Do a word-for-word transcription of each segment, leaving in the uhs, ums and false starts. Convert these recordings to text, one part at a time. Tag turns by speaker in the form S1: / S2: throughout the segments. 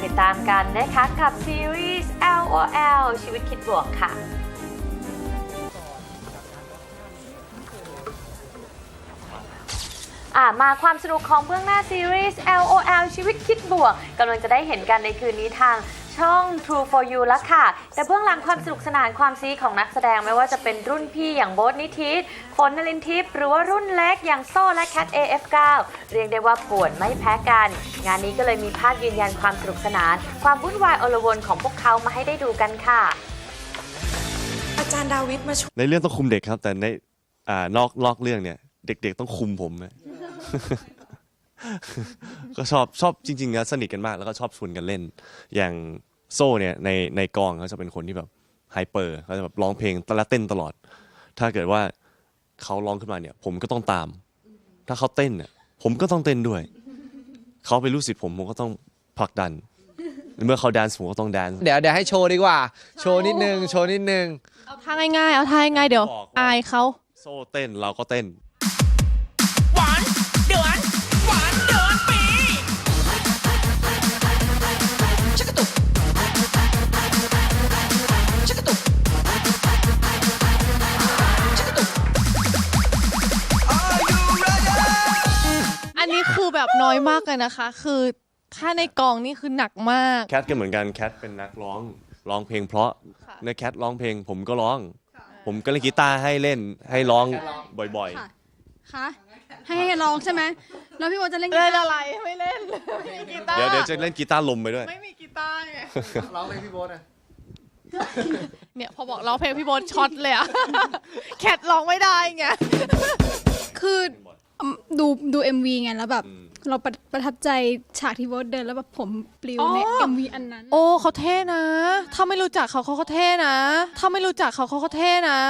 S1: ติดตามกันนะคะกับซีรีส์ แอล โอ แอล ชีวิตคิดบวกค่ะอ่ามาความสนุกของเบื้องหน้าซีรีส์ แอล โอ แอล ชีวิตคิดบวกกำลังจะได้เห็นกันในคืนนี้ทางช่อง True for You แล้วค่ะแต่เบื้องหลังความสนุกสนานความซีของนักแสดงไม่ว่าจะเป็นรุ่นพี่อย่างโบ๊ทนิธิฝนนลินทิพย์หรือว่ารุ่นเล็กอย่างโซ่และแคท เอ เอฟ เก้า เรียกได้ว่าป่วนไม่แพ้กันงานนี้ก็เลยมีภาพยืนยันความสนุกสนานความวุ่นวายอลวนของพวกเขามาให้ได้ดูกันค่ะ
S2: อาจารย์ดาวิดมาช่วย
S3: ในเรื่องต้องคุมเด็กครับแต่ในอ่านอกนอกเรื่องเนี่ยเด็กๆต้องคุมผมนะ ก็ชอบชอบจริงๆนะสนิทกันมากแล้วก็ชอบชวนกันเล่นอย่างโซ่เนี่ยในในกองเขาจะเป็นคนที่แบบไฮเปอร์เขาจะแบบร้องเพลงและเต้นตลอดถ้าเกิดว่าเขาร้องขึ้นมาเนี่ยผมก็ต้องตามถ้าเขาเต้นเนี่ยผมก็ต้องเต้นด้วยเขาเป็นลูกศิษย์ผมผมก็ต้องผลักดันเมื่อเขาแดนซ์ผมก็ต้องแดนซ์
S4: เดี๋ยวเดี๋ยวให้โชว์ดีกว่าโชว์นิดนึงโชว์นิดนึง
S5: เอาท่าง่ายๆเอาท่าง่ายๆเดี๋ยวอายเขา
S3: โซ่เต้นเราก็เต้น
S2: หวานเดือนหวานเดือนปีชักกระตุกชักกระตุกชักกระตุก Are you ready
S5: อันนี้คือแบบน้อยมากเลยนะคะคือถ้าในกองนี่คือหนักมาก
S3: แคทก็เหมือนกันแคทเป็นนักร้องร้องเพลงเพราะในแคทร้องเพลงผมก็ร้องผมก็เล่นกีตาร์ให้เล่นให้ร้องบ่อย
S6: ๆค่ะให้ให้ร้องใช่ไหมแล้วพี่โบจะเล่นกี
S5: เล่น
S6: ตาร์
S5: อะไรไม่เล่นไม่มีกีตาร์
S3: เดี๋ยวเดี๋ยวจะเล่นกีตาร์ลมไปด้วย
S5: ไม่มีกีตาร์ไง
S4: ร้องเพลงพี่โบ๊ทอะ
S5: เนี่ยพอบอกร้องเพลงพี่โบ๊ทช็อตเลยอะแคทร้องไม่ได้ไง
S6: คือดูดู เอ็ม วี ไงแล้วแบบเราประประทับใจฉากที่โบทเดินแล้วแบบผมปลิวใน เอ็ม วี อันนั้น
S5: โอ้เขาเท่นะถ้าไม่รู้จักเขาเขาเขาเท่นะถ้าไม่รู้จักเขาเขาเขาเท่นะ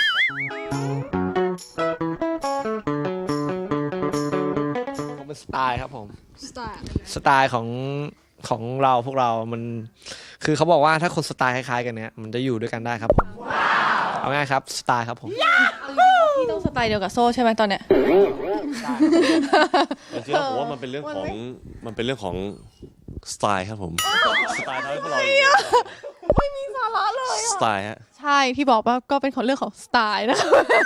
S4: ผมเป็นสไตล์ครับผม
S6: สไตล์
S4: สไตล์ของของเราพวกเรามันคือเขาบอกว่าถ้าคนสไตล์คล้ายๆกันเนี้ยมันจะอยู่ด้วยกันได้ครับผมเอาง่ายครับสไตล์ครับผม
S5: พี่ต้องสไตล์เดียวกับโซ่ใช่ไหมตอนเนี้ย
S3: จริงๆผมว่ามันเป็นเรื่องของมันเป็นเรื่องของสไตล์ครับผมสไตล์ทำให้พวกเรา
S5: ไม่มีสาระเลย
S3: สไตล์ฮะ
S5: ใช่ที่บอกว่าก็เป็นของเรื่องของสไตล์นะคะ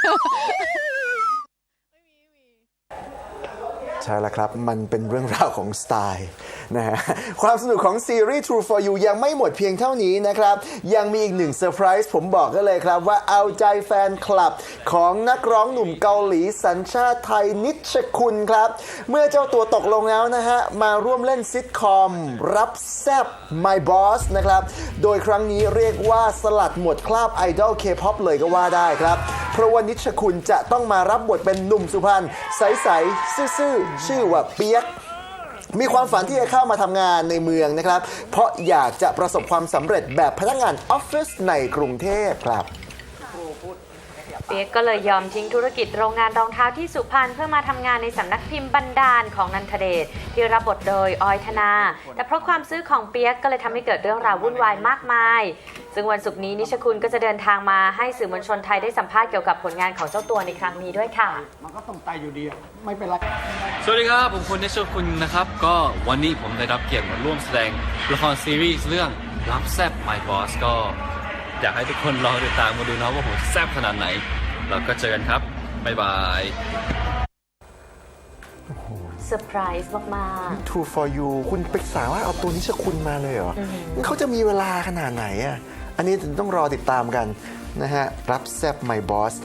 S7: ใช่แล้วครับมันเป็นเรื่องราวของสไตล์นะฮะความสนุกของซีรีส์ True for You ยังไม่หมดเพียงเท่านี้นะครับยังมีอีกหนึ่งเซอร์ไพรส์ผมบอกกันเลยครับว่าเอาใจแฟนคลับของนักร้องหนุ่มเกาหลีสัญชาติไทยนิชคุณครับเมื่อเจ้าตัวตกลงแล้วนะฮะมาร่วมเล่นซิทคอมรับแซบ My Boss นะครับโดยครั้งนี้เรียกว่าสลัดหมดคราบไอดอล K-pop เลยก็ว่าได้ครับเพราะว่านิชคุณจะต้องมารับบทเป็นหนุ่มสุพรรณใสๆซื่อๆชื่อว่าเปียกมีความฝันที่จะเข้ามาทำงานในเมืองนะครับเพราะอยากจะประสบความสำเร็จแบบพนักงานออฟฟิศในกรุงเทพครับ
S1: เปียกก็เลยยอมทิ้งธุรกิจโรงงานรองเท้าที่สุพรรณเพื่อมาทำงานในสำนักพิมพ์บรรดาลของนันทเดชที่รับบทโดยออยธนาแต่เพราะความซื้อของเปียกก็เลยทำให้เกิดเรื่องราววุ่นวายมากมายซึ่งวันศุกร์นี้นิชคุณก็จะเดินทางมาให้สื่อมวลชนไทยได้สัมภาษณ์เกี่ยวกับผลงานของเจ้าตัวในครั้งนี้ด้วยค่ะ
S8: มันก็ต้องตายอยู่ดีไม่เป็นไร
S9: สวัสดีครับผมคุณนิชคุณนะครับก็วันนี้ผมได้รับเกียรติมาร่วมแสดงละครซีรีส์เรื่องรับแซบ My Boss ก็อยากให้ทุกคนรอติดตามมาดูนะว่าผมแซบขนาดไหนเราก็เจอกันครับ บ๊ายบาย
S1: เซอร์ไพรส์มาก
S7: ๆ True for You คุณปรึกษาว่าเอาตัวนิชคุณมาเลยเหรอเขาจะมีเวลาขนาดไหนอ่ะอันนี้ต้องรอติดตามกันนะฮะรับแซบ My Boss